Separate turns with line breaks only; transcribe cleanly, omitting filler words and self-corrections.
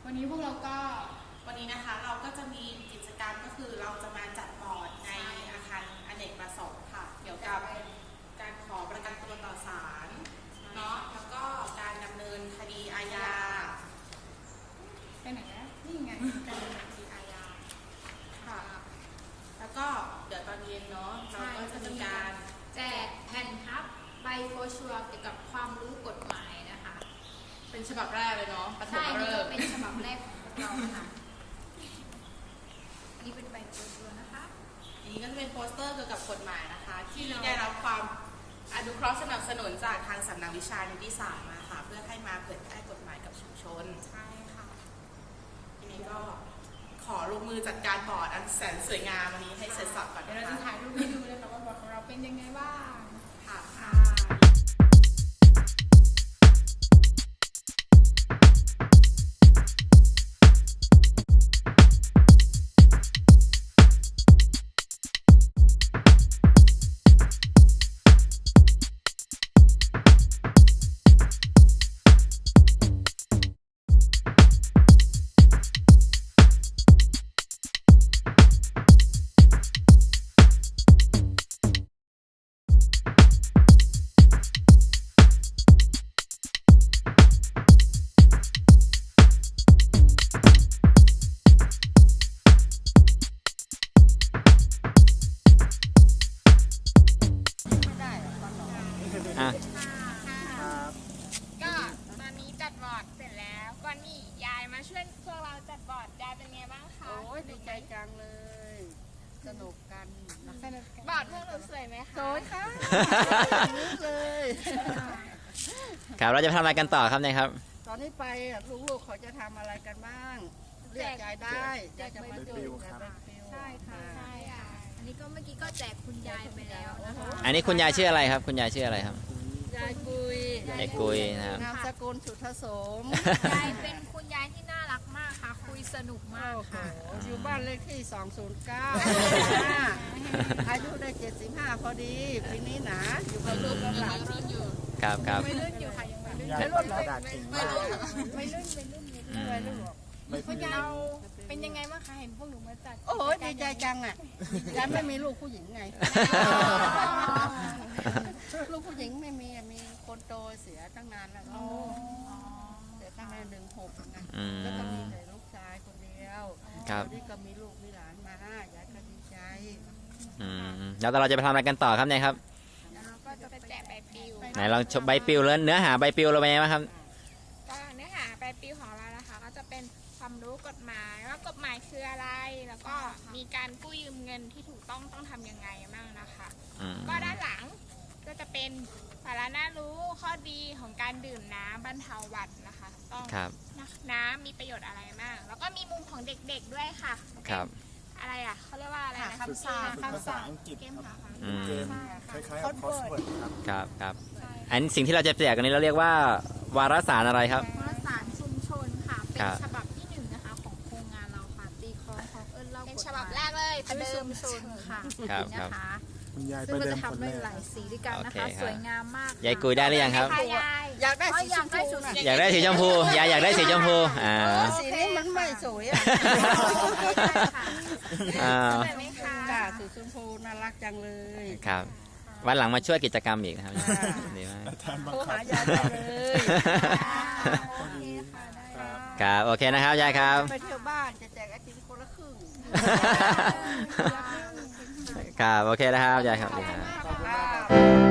วันนี้พวกเราก็
วันนี้นะคะเราก็จะมีกิจกรรมก็คือเราจะมาจัดบอร์ดในอาคารอเนกประสงค์ค่ะเกี่ยวกับการขอประกันตัวต่อศาลเนาะแล้วก็การดำเนินคดีอาญา
ไปไหนนะนี่ไงการดำเนินคดีอาญา
ค่ะ แล้วก็เดี๋ยวตอนเย็นเนาะเราก็จะมีการ
แจกแผ่นพับใบโฟชัวร์เกี่ยวกับความรู้กฎหมายนะคะ
เป็นฉบับแรกเลยเนาะปฐ
ใช่
ม
นี่
ฤ
ก็
กษ์
เป็นฉบับแรกของพวกเราค่ะนี่เป็นใบโฟชัวร์นะคะ
อันนี้ก็จะเป็นโปสเตอร์เกี่ยวกับกฎหมายนะคะ ที่ได้รับความอนุเคราะห์สนับสนุนจากทางสำนักวิชานิติศาสตร์มาค่ะ เพื่อให้มาเผยแพร่กฎหมายกับชุมชน
ใช่ค่ะ
ทีนี้ก็ขอลงมือจัดการบอร์ดอันแสนสวยงามวันนี้ให้เสร็จสับก่อน
เดี๋ยว
นะ
เราจะ
คะ
ถ่ายรูปให้ดูเลยค่ะว่าบอร์ดของเราเป็นยังไงบ้าง
ค่ะ
ค่ะ
อ่ะ
ก็ตอนนี้จัดบอร์ดเสร็จแล้วก็นี่ยายมาช่วยพวกเราจัดบอร์ดยายเป็นไงบ้างคะ
โอ้ยดีใจจังเลย สนุกกันนะ
สนุกกัน
บอร์ดพวกเราสวยไหมคะ
สวยค่ะนี่เลย
ครับเราจะไปทำอะไรกันต่อครับเนี่ยครับ
ตอนนี้ไปลูกๆเขาจะทำอะไรกันบ้างเรียกยายได้ยายจะมาดูยายเป็นฟิว
ใช่ค่ะ
ใช่ค่ะ อันนี้ก็เมื่อกี้ก็แจกคุณยายไปแล้วนะคะ
อันนี้คุณยายชื่ออะไรครับ คุณยายชื่ออะไรครับ
ยายกุย
ยายกุยนะครับ
นามสกุลสุทธโสม
ยายเป็นคุณยายที่น่ารักมากค่ะ คุยสนุกมาก
โอ้โห
ค่ะ
อยู่บ้านเลขที่ 209 อายุได้ 75 พอดีปีนี้หนาอยู่กับลูกกับหลาน
ครับครับ
ไม่ลื่นอยู่ค่ะยังไม่ลื่น
ไม่รุ่นเหรอ
ไม่ลื่นไม่ลื่นไม่ลื่น
อืม
ไม่รุ่นหรอก
คุณยายเป็นยังไงบ้างคะเห็นพวกหนูมาจัด
โอ้โหดีใจจังอ่ะยายไม่มีลูกผู้หญิงไง ลูกผู้หญิงไม่มีอะมีคนโตเสียตั้งนานแล้วเสียตั้งแต่16ไง
อืม
แล้วก็มีแต่ลูกชายคนเดียว
ครับ
นี่ก็มีลูกมีหลานมายายก็ดีใจ
อืมแล้วเราจะไปทำอะไรกันต่อครับเนี่ยครับ
แล้วเราก็จะไปแจกใบปลิว
ไหนลองชมใบปลิวแล้วเนื้อหาใบปลิวเราเป็นยังไงบ้างครับ
ก็เนื้อหาใบปลิวของเรานะคะ ก็จะเป็นความรู้กฎหมายว่ากฎหมายคืออะไร แล้วก็มีการกู้ยืมเงินที่ถูกต้องทำยังไงบ้างนะคะ
อืม
ก็ด้านหลังก็จะเป็นสาระน่ารู้ข้อดีของการดื่มน้ำบรรเทาหวัดนะคะ ต้อง
ครับ
น้ำมีประโยชน์อะไรมาก แล้วก็มีมุมของเด็กๆด้วยค่ะ
ครับ
อะไรอ่ะเขาเรียกว่าอะไรนะ
คำสั่งคำสั่ง
เกมหาความ
อืม
เกมคล้ายๆกับคอสเวิร์ดครับ
ครับครับอันสิ่งที่เราจะแจกกันนี้เราเรียกว่าวารสารอะไรครับ
วารสารชุมชนค่ะ เป็น
ครับ
ฉบับที่1นะคะของโครงงานเราค่ะ ตีคล้องของเอิญเล่า
เป็น
กฎ
ฉ
ห
บับ
มาย
แรกเลย
ประ
ประ
เดิ
เดิ
ม
ม
ชนค่ะ
ครับ
นี่นะคะ
คุณยาย
ซึ่
ไป
งเรา
เดิม
จะ
คน
ทำ
แร
ด้วย
ก
หลายสีด้วยกันนะ
โอเค
คะ
ครับ
สวยงามมาก
ยายกุยได้หรือยังครับ
ค่ะยาย
อยากได้สีชมพูนะ
อยากได้สีชมพูยายอยากได้สีชมพูอ่า
สีนี้มันไม่สวยอ่ะ
อ่า
สวยไหมคะ
ค่ะสีชมพูน่ารักจังเลย
ครับวันหลังมาช่วยกิจกรรมอีกนะครับดีมาก
อาจารย์บัง
โทร
คั
หา
บ
ยายได้เลย
โอเคค่ะได้
ครับโอเคนะครับยายครับ
ไปเที่ยวบ้านจะแจกไอติมคนละครึ่ง
ครับโอเคนะครับยายครับดีครับ
ขอบคุณ